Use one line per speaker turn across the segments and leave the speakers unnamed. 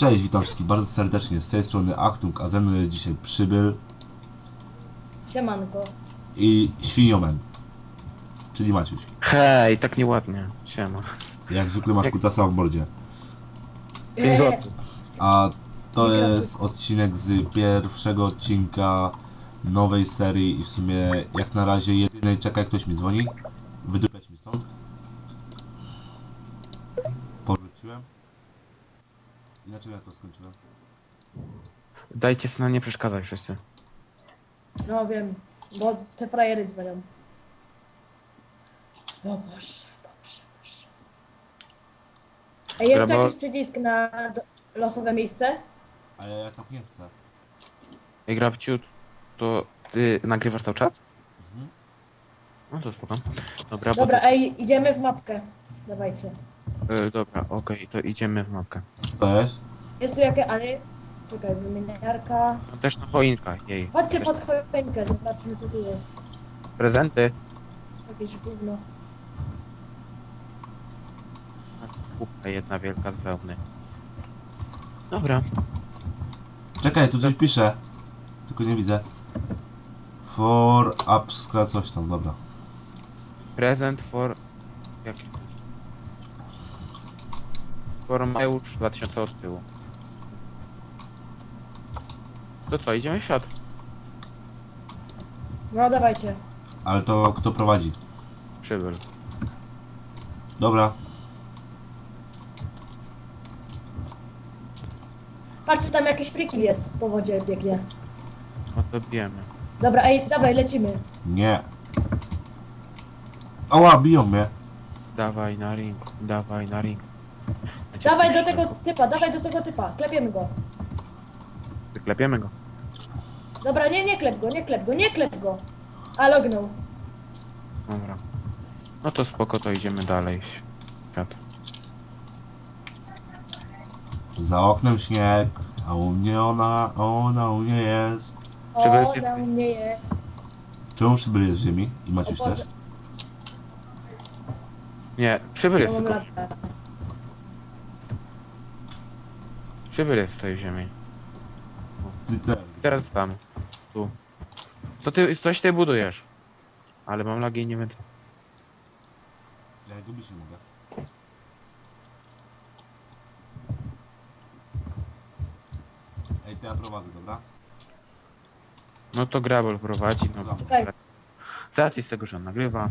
Cześć, witam wszystkich bardzo serdecznie, z tej strony Achtung, a ze mną jest dzisiaj Przybyl
Siemanko.
i Świniomen, czyli Maciuś.
Hej, tak nieładnie. Siema.
Jak zwykle masz kutasa w mordzie.
5 zł.
A to jest odcinek z pierwszego odcinka nowej serii i w sumie jak na razie jedynej. Czekaj, ktoś mi dzwoni. Wydupać mi stąd. Powróciłem. Inaczej ja to skończyłem.
Dajcie syna, nie przeszkadzaj wszyscy.
No wiem, bo te frajery dzwonią. O Boże, Boże, Boże. Ej, jest tu
Brawo.
jakiś przycisk na losowe miejsce?
Ale ja tak nie chcę.
Ej, Grabciu, to ty nagrywasz cały czas?
Mhm.
No to spoko. Dobra,
Dobra,
bo to...
ej, idziemy w mapkę. Dawajcie.
Dobra, okej, to idziemy w mapkę.
To jest?
Jest tu jakaś, ale... Czekaj, wymieniarka.
No też na choinka, jej.
Chodźcie
Też
pod choinkę, zobaczmy co tu jest.
prezenty.
Jakieś gówno.
Kubka jedna wielka z wełny. Dobra.
Czekaj, tu coś pisze. Tylko nie widzę. For upska coś tam, dobra.
Prezent for... Jaki? For Majusz 2000 od tyłu. To co, idziemy w świat?
No dawajcie.
Ale to kto prowadzi?
Przybyl.
Dobra.
Patrzcie, tam jakiś frikil jest po wodzie biegnie.
No to bijemy.
Dobra, ej, dawaj, lecimy.
Nie. Ała, biją mnie.
Dawaj na ring, dawaj na ring.
Dawaj do tego typa, dawaj do tego typa. Klepiemy go.
Wyklepiemy go.
Dobra, nie klep go, nie klep go, nie klep go. A lognął.
Dobra. No to spoko, to idziemy dalej. Świat.
Za oknem śnieg, a u mnie ona u mnie jest.
Przybyl
O,
jest-
na mnie jest.
Czemu Przybyl jest w ziemi? I Maciuś
O Boże.
też?
Nie, przybyl jest
Mam
tylko.
latę.
Przybyl jest w tej ziemi.
Ty też.
Teraz tam. Tu. Co ty, coś ty budujesz? Ale mam lagi i nie wiem.
Ja gubić nie mogę. Ej, to ja prowadzę, dobra?
No to Grabel prowadzi, no.
Dobra.
Okej.
Z racji z tego, że on nagrywa.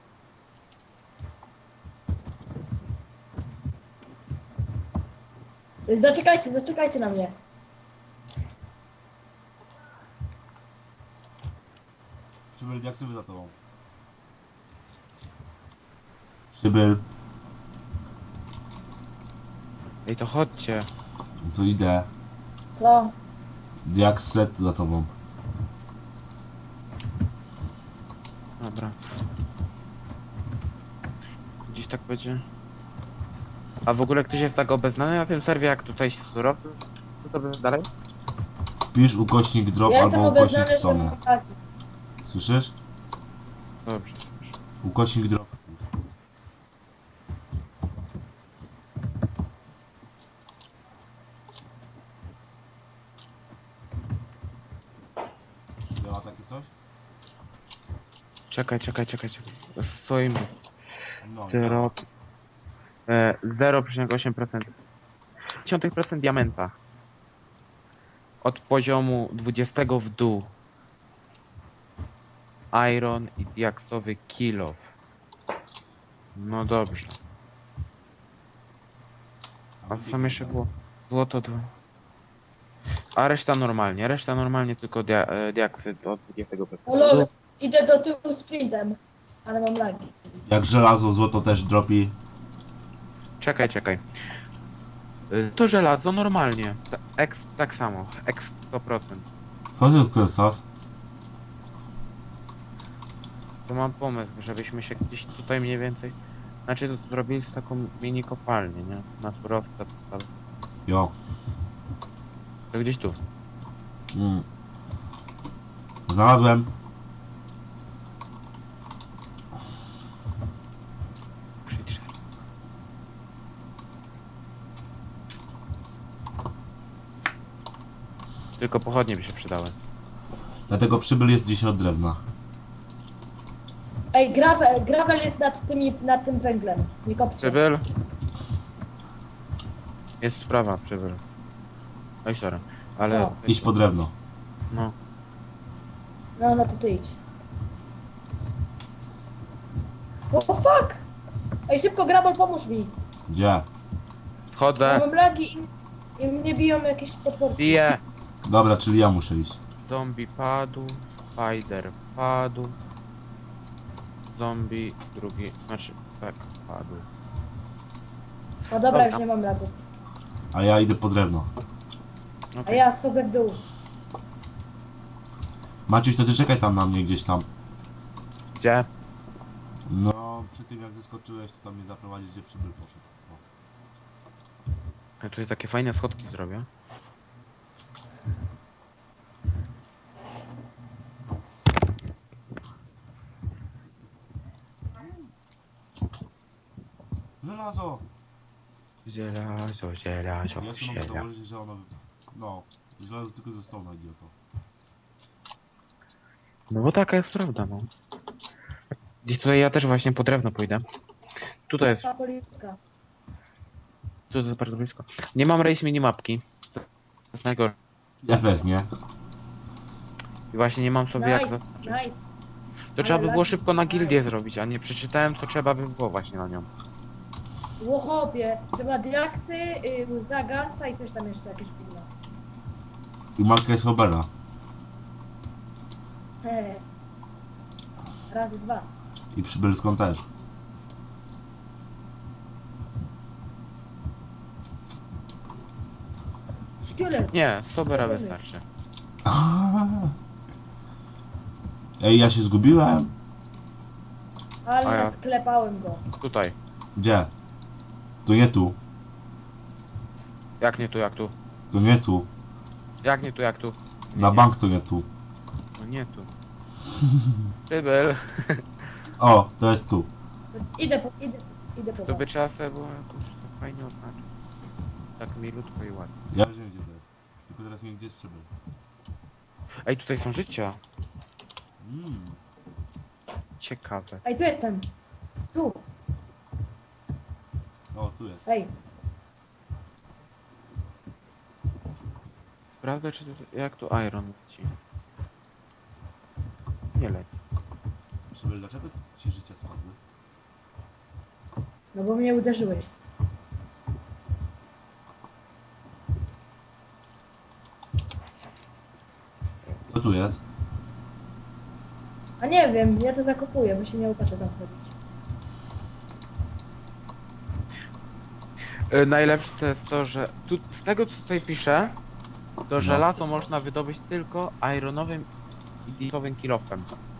Zaczekajcie, zaczekajcie na mnie.
Przybyl, jak sobie za tobą? Przybyl,
Ej, to chodźcie.
no to idę.
Co?
Jak set za tobą.
Dobra. Gdzieś tak będzie. A w ogóle ktoś jest tak obeznany na tym serwie, jak tutaj surowcy? Co to będzie dalej?
Wpisz ukośnik drop
Ja jestem
albo ukośnik
obeznany, że
stone.
mam lagi.
Słyszysz?
Dobrze.
Ukośnik drop. Działa takie coś?
Czekaj. Stoimy.
No,
Drop. 0,8%. 0,1% diamenta. Od poziomu 20 w dół. Iron i diaksowy kilo. No dobrze. A co tam jeszcze było? Złoto 2. A reszta normalnie tylko diaksy od 20
O lol, idę do tyłu sprintem. Ale mam lagi.
Jak żelazo, złoto też dropi.
Czekaj. To żelazo normalnie. Tak samo. 100%.
Co ty odkręcasz?
To mam pomysł, żebyśmy się gdzieś tutaj mniej więcej... Znaczy to zrobili z taką mini kopalnię, nie? Na surowce.
Jo.
To gdzieś tu.
Mm. Znalazłem.
Tylko pochodnie by się przydały.
Dlatego przybyl jest gdzieś od drewna.
Ej, gravel jest nad tym węglem. Nie kopcie.
Przybyl? Jest sprawa, przybyl. Oj, sorry. Ale...
Co?
Idź po drewno.
No.
No to ty idź. O fuck! Ej, szybko gravel, pomóż mi.
Gdzie?
Ja
Wchodzę.
mam lagi i mnie biją jakieś potworki.
Bije.
Dobra, czyli ja muszę iść.
Zombie padł. Spider padł. Zombie drugi... Znaczy... Tak, padł.
No dobra,
Dobra.
już nie mam lagów.
A ja idę po drewno.
A
Okej.
ja schodzę w dół.
Maciuś, to ty czekaj tam na mnie gdzieś tam.
Gdzie?
No, przy tym jak zeskoczyłeś, to tam mnie zaprowadzić, gdzie przybyl poszedł. O.
Ja tutaj takie fajne schodki zrobię.
Żelazo!
Żelazo,
Ja się mogę
żelazo.
założyć, że ono... No, żelazo tylko ze stołu idioto.
No bo taka jest prawda, no. Gdzieś tutaj ja też właśnie po drewno pójdę. Tutaj jest,
Ta polityka.
tu jest bardzo blisko. Nie mam race minimapki. To jest najgorsze.
Ja też, nie?
I właśnie nie mam sobie jak
Nice,
zaznaczyć.
nice.
To trzeba by było
lagi,
szybko na gildię
nice.
zrobić, a nie przeczytałem, co trzeba by było właśnie na nią.
Łochopie. Trzeba diaksy, zagasta i też tam jeszcze jakieś pilla.
I matka jest Hobera.
Razy 2.
I przybylską też.
Szkielet.
Nie, Sobera wystarczy.
Ej, ja się zgubiłem.
Ale
A ja-
sklepałem go.
Tutaj.
Gdzie? To nie tu.
Jak nie tu, jak tu?
To nie tu.
Jak nie tu, jak tu?
Na bank to nie tu.
No nie tu. Przybyl.
O, to jest tu.
Idę po
To by
was.
trzeba sobie było jakoś tak fajnie oznaczyć. Tak milutko i ładnie.
Ja już wiem, gdzie to jest. Tylko teraz nie wiem, gdzie jest przybyl.
Ej, tutaj są życia.
Mm.
Ciekawe.
Ej, tu jestem. Tu.
O, tu jest.
Ej.
Sprawdzę, czy to, jak tu Iron leci. Nie leci.
Przybyl, dlaczego ci życia spadły?
No bo mnie uderzyłeś.
Co tu jest?
A nie wiem, ja to zakopuję, bo się nie upatrzę tam chodzić.
Najlepsze to jest to, że tu, z tego co tutaj pisze, to żelazo można wydobyć tylko ironowym i diaksowym kilofem.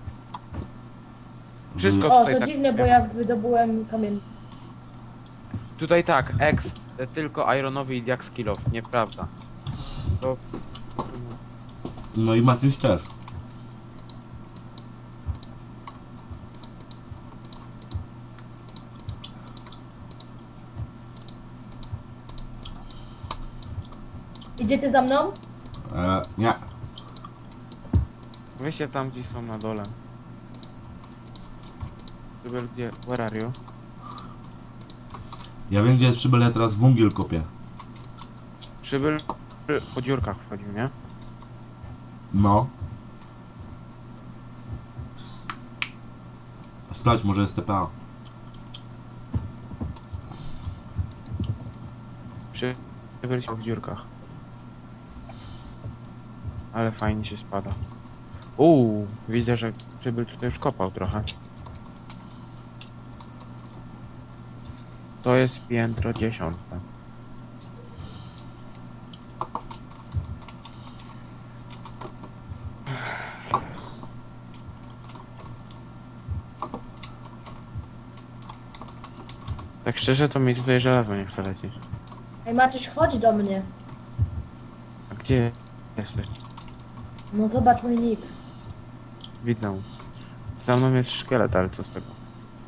Wszystko
O,
tutaj
to
tak,
dziwne, bo ja wydobyłem kamień.
Tutaj tak, tylko ironowy i diaks kilof, nieprawda. To...
No i Maciuś też.
Idziecie za mną?
Nie.
Weźcie tam gdzieś są na dole. Przybyl, gdzie? Where are you?
Ja wiem, gdzie jest przybyl, ja teraz węgiel kopię.
Przybyl po dziurkach wchodził, nie?
No. Sprawdź, może jest TPA.
Przybyl się w dziurkach. Ale fajnie się spada. Widzę, że przybyl tutaj już kopał trochę. To jest piętro 10. Tak szczerze to mi tutaj żelazo nie chce lecieć.
Ej, Maciuś, chodź do mnie.
A gdzie jesteś?
No zobacz mój nick.
Widzę. Za mną jest szkielet, ale co z tego?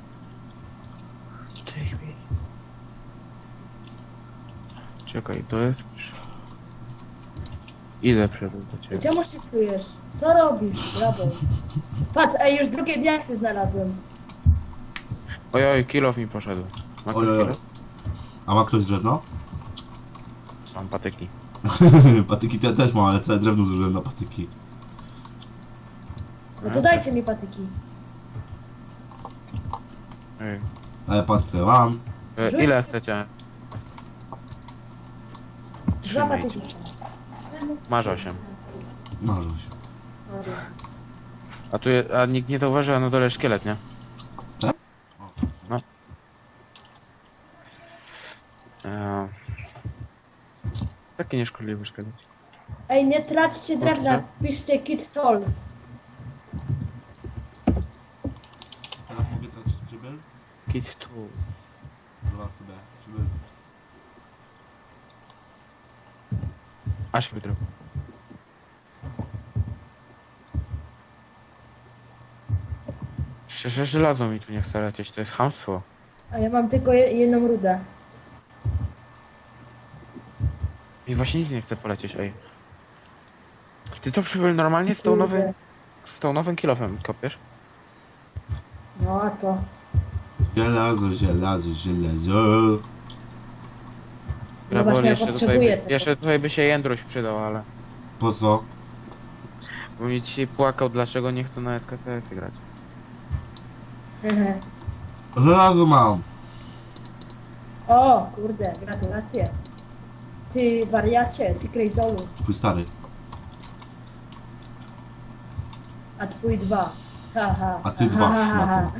W tej chwili. Czekaj, to jest... Idę przed do ciebie.
Czemu shiftujesz? Co robisz, Grabol? Patrz, ej, już drugie diaksy znalazłem.
Ojoj, kill off mi poszedł. Ma ktoś
Ojoj.
kill off?
A ma ktoś drewno?
Mam patyki.
Patyki to ja też mam, ale całe drewno zużyłem na patyki.
No to dajcie mi patyki.
Ej.
Ale patrzę, mam.
Rzuć-
Ile chcecie?
Dwa
Trzymajcie.
patyki.
Masz 8.
Marzę się.
Może.
A nikt nie zauważył, a na dole szkielet, nie?
Tak?
No. Taki nieszkodliwy szkielet.
Ej, nie traćcie drewna, piszcie kit tools.
Teraz mogę tracić przybyl?
Kit tu.
Dwa sobie. Przybyl.
Aż wydruk. Szczerze, żelazo mi tu nie chce lecieć, to jest chamstwo.
A ja mam tylko jedną rudę.
Mi właśnie nic nie chce polecieć, ej. Ty to przybyl normalnie z tą nowym kilofem kopiesz?
No a co?
Żelazo, żelazo, żelazo.
No właśnie, ja potrzebuję tego.
jeszcze tutaj by się Jędruś przydał, ale...
Po co?
Bo mi dzisiaj płakał, dlaczego nie chcę na SKTS grać.
Hehe.
Żelazo mam.
O, kurde, gratulacje. Ty wariacie, ty krejzolu.
Twój stary.
A twój 2. Haha.
A ty 2, szmato.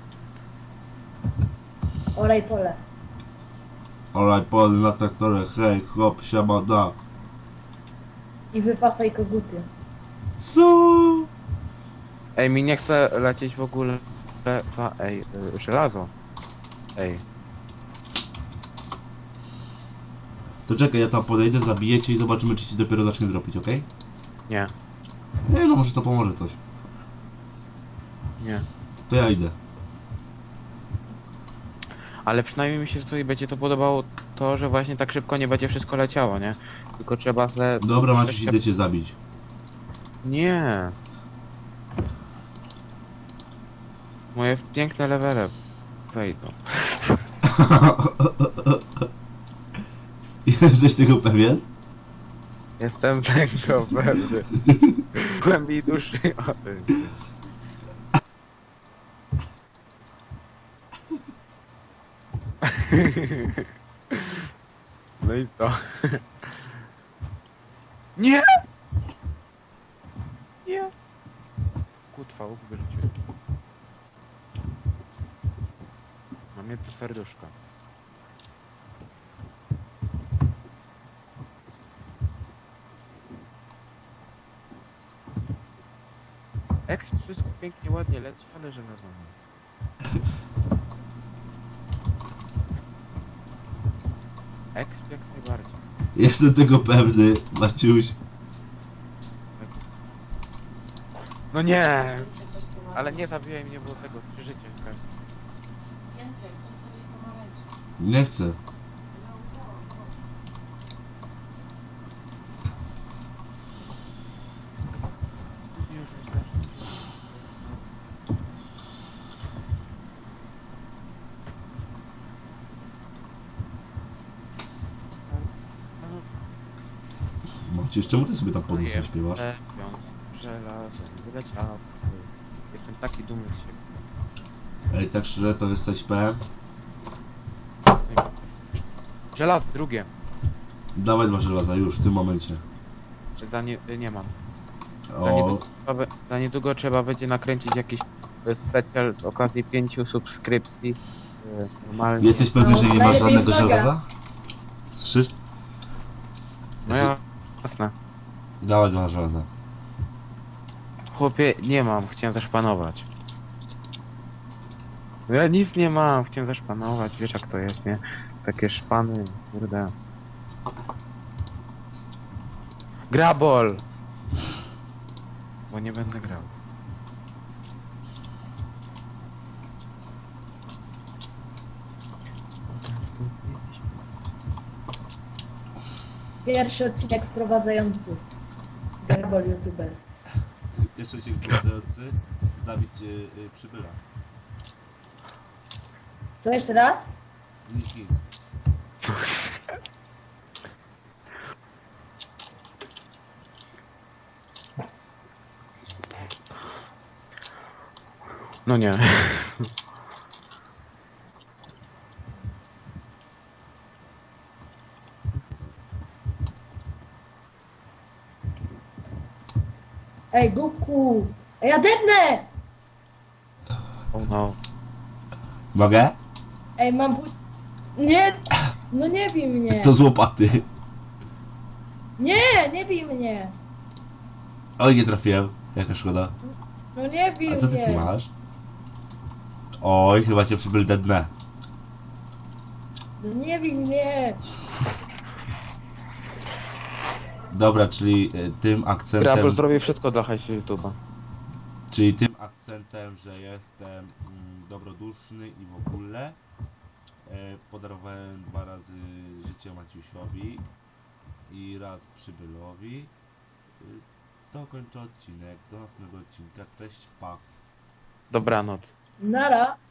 Olej pole.
Olaj pole na traktorze, hej, chłop, siamada.
I wypasaj koguty.
Co?
Ej, mi nie chce lecieć w ogóle... Ej, żelazo. Ej.
To czekaj, ja tam podejdę, zabiję cię i zobaczymy, czy ci dopiero zacznie dropić, okej?
Nie,
Nie, no może to pomoże coś.
nie.
To ja idę.
Ale przynajmniej mi się tutaj będzie to podobało to, że właśnie tak szybko nie będzie wszystko leciało, nie? Tylko trzeba se...
Dobra, Maciuś, idę cię zabić.
Nie. Moje piękne levele wejdą.
Jesteś tego pewien?
Jestem tego pewny. W głębi duszy o tym. No i co? Nie! Nie! Kutwa, łuk wyrzuciłem. Mam jedno serduszko. Eks wszystko pięknie, ładnie leci, ale że wiadomo. Eks jak najbardziej.
Jestem tego pewny, Maciuś.
No nie! Ale nie zabijaj mnie, bo tego 3 życia każdy.
Nie chcę.
Już wystarczy.
Maciuś, czemu ty sobie tam pod nosem śpiewasz?
Żelazem, wyleciał. Jestem taki dumny z siebie.
Ej, tak szczerze, to jesteś PM?
Żelazo, drugie.
Dawaj 2 żelaza, już, w tym momencie.
Nie mam.
O,
Za niedługo trzeba będzie nakręcić jakiś specjal z okazji 5 subskrypcji. Normalnie.
jesteś pewny, że nie masz
najlepiej
żadnego
uwaga.
żelaza? 3?
No ja, jasne.
Dawaj 2 żelaza.
Chłopie, nie mam, chciałem zaszpanować. Ja nic nie mam, chciałem zaszpanować, wiesz jak to jest, nie? Takie szpany, kurde. Grabol! Bo nie będę grał.
Pierwszy odcinek wprowadzający. fireball youtuber.
Pierwszy odcinek powodujący zabić przybyla.
Co, jeszcze raz?
Nic.
No nie.
Ej, Guku! Ej, ja dednę!
Oh no.
Mogę?
Ej, mam Nie! No nie bij mnie!
To z łopaty.
Nie, nie bij mnie!
Oj, nie trafiłem. Jaka szkoda.
No nie bij
A co ty
mnie!
tu masz? Oj, chyba cię przybyl dednę.
No nie bij mnie!
Dobra, czyli tym akcentem...
Grabel zrobi wszystko dla hajsu YouTube'a.
Czyli tym akcentem, że jestem dobroduszny i w ogóle podarowałem 2 razy życie Maciusiowi i raz przybylowi. To kończę odcinek. Do następnego odcinka. Cześć, pa.
Dobranoc.
Nara!